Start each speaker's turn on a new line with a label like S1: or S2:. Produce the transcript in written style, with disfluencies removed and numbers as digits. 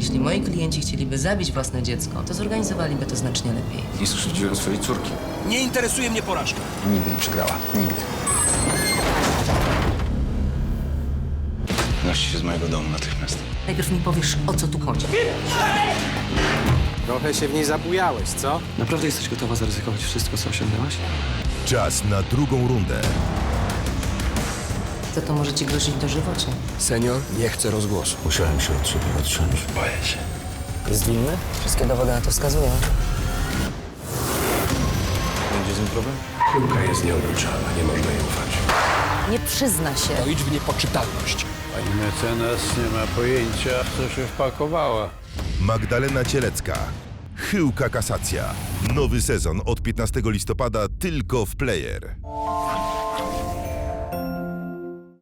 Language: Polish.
S1: jeśli moi klienci chcieliby zabić własne dziecko, to zorganizowaliby to znacznie lepiej.
S2: Nie skrzywdziłem swojej córki.
S3: Nie interesuje mnie porażka.
S2: Nigdy nie przegrała. Nigdy. Noście się z mojego domu natychmiast.
S1: Najpierw mi powiesz, o co tu chodzi.
S4: Trochę się w niej zabujałeś, co?
S5: Naprawdę jesteś gotowa zaryzykować wszystko, co osiągnęłaś?
S6: Czas na drugą rundę.
S1: To może ci grozić dożywocie.
S2: Senior nie chce rozgłosu.
S7: Musiałem się od ciebie odciąć. Boję się.
S4: Jest winny?
S1: Wszystkie dowody na to wskazują.
S2: Będzie z nim problem?
S7: Piłka jest nieobliczalna, nie można jej ufać.
S1: Nie przyzna się.
S3: To idź w niepoczytalność.
S8: Pani mecenas nie ma pojęcia, w co się wpakowała.
S6: Magdalena Cielecka. Chyłka kasacja. Nowy sezon od 15 listopada tylko w Player.